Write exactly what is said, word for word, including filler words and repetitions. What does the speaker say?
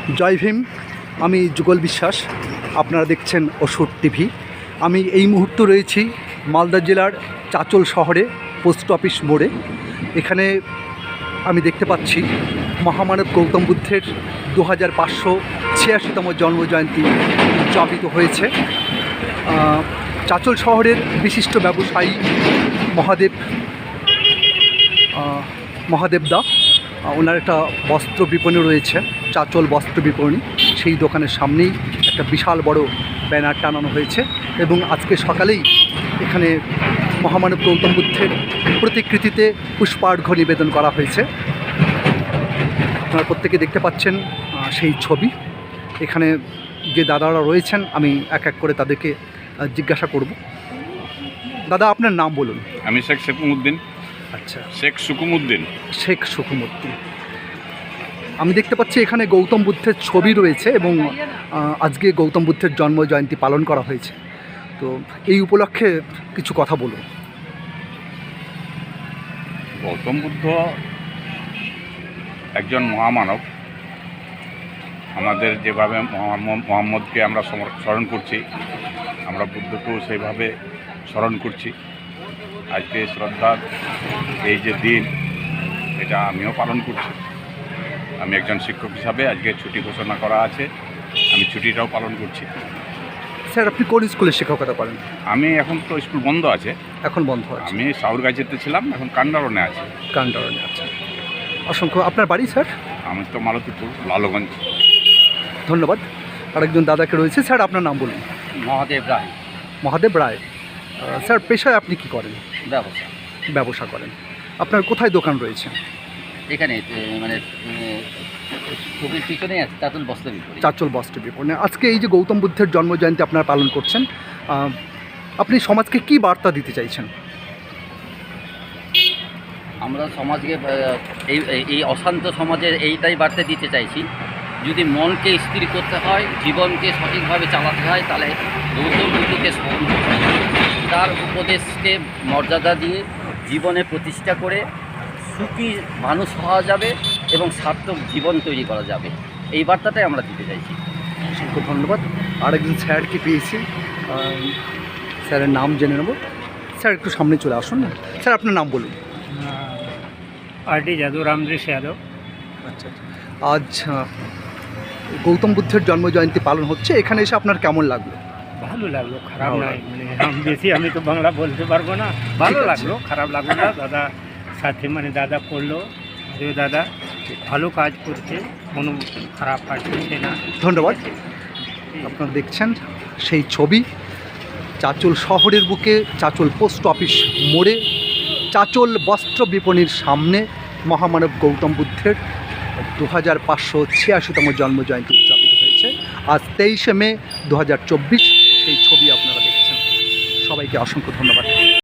জয় ভীম। আমি যুগল বিশ্বাস, আপনারা দেখছেন ওষুধ টিভি। আমি এই মুহূর্তে রয়েছি মালদা জেলার চাচল শহরে পোস্ট অফিস মোড়ে। এখানে আমি দেখতে পাচ্ছি মহামানব গৌতম বুদ্ধের দু হাজার পাঁচশো ছিয়াশিতম জন্মজয়ন্তী উদযাপিত হয়েছে। চাচল শহরের বিশিষ্ট ব্যবসায়ী মহাদেব মহাদেব দা, ওনার একটা বস্ত্র বিপণী রয়েছে, চাচল বস্ত্র বিপণী। সেই দোকানের সামনেই একটা বিশাল বড় ব্যানার টানানো হয়েছে এবং আজকে সকালেই এখানে মহামানব গৌতম বুদ্ধের প্রতিকৃতিতে পুষ্পার্ঘ্য নিবেদন করা হয়েছে। আপনারা প্রত্যেকে দেখতে পাচ্ছেন সেই ছবি। এখানে যে দাদারা রয়েছেন আমি এক এক করে তাদেরকে জিজ্ঞাসা করব। দাদা, আপনার নাম বলুন। আমি শেখ সুকুমউদ্দিন। আচ্ছা, শেখ সুকুমউদ্দিন। শেখ সুকুমউদ্দিন। আমি দেখতে পাচ্ছি এখানে গৌতম বুদ্ধের ছবি রয়েছে এবং আজকে গৌতম বুদ্ধের জন্ম জয়ন্তী পালন করা হয়েছে, তো এই উপলক্ষে কিছু কথা বলুন। গৌতম বুদ্ধ একজন মহামানব। আমাদের যেভাবে মোহাম্মদকে আমরা স্মরণ করছি, আমরা বুদ্ধকেও সেইভাবে স্মরণ করছি। আজকে শ্রদ্ধার এই যে দিন, এটা আমিও পালন করছি। আমি একজন শিক্ষক হিসাবে আজকে ছুটি ঘোষণা করা আছে, আমি ছুটিটাও পালন করছি। স্যার, আপনি কোন স্কুলে শিক্ষকতা করেন? আমি এখন তো স্কুল বন্ধ আছে। এখন বন্ধ আছে? আমি সাউরগাছিতে ছিলাম, এখন কান্ডারনে আছে। কান্ডারনে আছে। অসংখ্য। আপনার বাড়ি স্যার? আমি তো মালতীপুর, লালগঞ্জ। ধন্যবাদ। আরেকজন দাদাকে রয়েছে। স্যার, আপনার নাম বলুন। মহাদেব রায়। মহাদেব রায়। স্যার, পেশায় আপনি কি করেন? ব্যবসা। ব্যবসা করেন। আপনার কোথায় দোকান রয়েছে? এখানে মানে ছবির পিছনে আছে চাচল বস্ত্র বিপণী। চাচল বস্ত্র বিপণী। আজকে এই যে গৌতম বুদ্ধের জন্মজয়ন্তী আপনারা পালন করছেন, আপনি সমাজকে কি বার্তা দিতে চাইছেন? আমরা সমাজকে এই এই অশান্ত সমাজের এইটাই বার্তা দিতে চাইছি, যদি মনকে স্থির করতে হয়, জীবনকে সঠিকভাবে চালাতে হয়, তাহলে গৌতম বুদ্ধকে স্মরণ করতে হয়। তার উপদেশকে মর্যাদা দিয়ে জীবনে প্রতিষ্ঠা করে সুখী মানুষ হওয়া যাবে এবং সার্থক জীবন তৈরি করা যাবে। এই বার্তাটাই আমরা দিতে চাইছি। অসংখ্য ধন্যবাদ। আরেকজন স্যারকে পেয়েছি, স্যারের নাম জেনে নেব। স্যার, একটু সামনে চলে আসুন না। স্যার, আপনার নাম বলুন। R D Yadav, Ramdrish Yadav. আচ্ছা, আজ গৌতম বুদ্ধের জন্মজয়ন্তী পালন হচ্ছে, এখানে এসে আপনার কেমন লাগলো? ভালো লাগলো, খারাপ নাই। মানে আমি বেশি আমি তো বাংলা বলতে পারবো না। ভালো লাগলো, খারাপ লাগলো না। দাদা সাথে মানে দাদা করলো, যে দাদা ভালো কাজ করছে, কোনো খারাপ কাজ করছে না। ধন্যবাদ। আপনারা দেখছেন সেই ছবি চাচল শহরের বুকে, চাচল পোস্ট অফিস মোড়ে, চাচল বস্ত্র বিপণীর সামনে মহামানব গৌতম বুদ্ধের দু হাজার পাঁচশো ছিয়াশিতম জন্মজয়ন্তী উদযাপিত হয়েছে আজ তেইশে মে দু হাজার চব্বিশ। সেই ছবি আপনারা দেখছেন। সবাইকে অসংখ্য ধন্যবাদ।